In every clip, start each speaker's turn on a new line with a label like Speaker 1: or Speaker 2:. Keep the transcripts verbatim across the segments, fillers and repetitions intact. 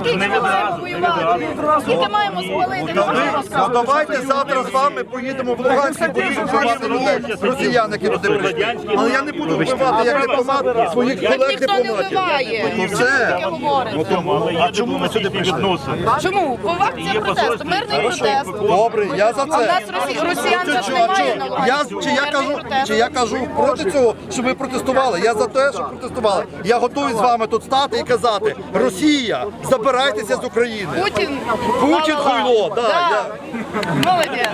Speaker 1: Скільки ми маємо воювати? Скільки маємо спалити?
Speaker 2: Ну давайте завтра з вами поїдемо в Луганськ і будемо вбивати людей, росіян, які туди прийшли. Але я не буду вбивати як дипломат своїх колег
Speaker 1: Ніхто не
Speaker 2: дипломатів.
Speaker 1: вбиває.
Speaker 2: Ну все.
Speaker 1: Таке говорите.
Speaker 2: А чому ми сюди прийшли?
Speaker 1: Чому? По акція протесту, мирний протест.
Speaker 2: Добре, я за
Speaker 1: А в
Speaker 2: це.
Speaker 1: нас росі- росіян
Speaker 2: Чи-
Speaker 1: же
Speaker 2: чи-
Speaker 1: немає
Speaker 2: чи-
Speaker 1: на
Speaker 2: я,
Speaker 1: Луганську.
Speaker 2: чи, я
Speaker 1: Мирний
Speaker 2: кажу,
Speaker 1: протест.
Speaker 2: чи я кажу проти цього, щоб ви протестували? Я за те, щоб протестували. Я готовий з вами тут стати і казати: Росія, забирайтеся з України.
Speaker 1: Путін.
Speaker 2: Путін
Speaker 1: ла-ла-ла.
Speaker 2: хуйло, да, я-
Speaker 1: Молодець.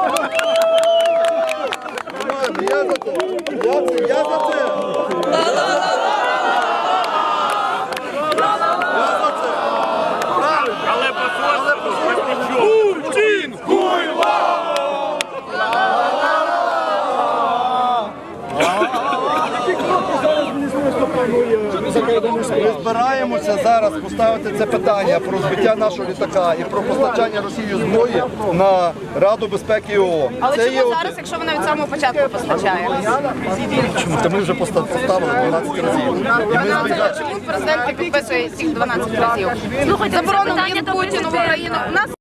Speaker 2: Я за це. Я, це- я за це. Я за це. Правильно.
Speaker 3: Але посольство
Speaker 2: Путін хуйло! Ми збираємося зараз поставити це питання про збиття нашого літака і про постачання Росії зброї на Раду безпеки ООН.
Speaker 1: Але
Speaker 2: Це є
Speaker 1: чому
Speaker 2: один-
Speaker 1: зараз, якщо вона від самого початку постачає?
Speaker 2: Чому? Та ми вже поста- поставили дванадцять разів. І ми збігаємо.
Speaker 1: Чому президент не підписує цих дванадцять разів?
Speaker 4: Слухайте,
Speaker 1: Заборону
Speaker 4: це питання
Speaker 1: він
Speaker 4: до
Speaker 1: Путіну в
Speaker 4: президента.
Speaker 1: Україну. У нас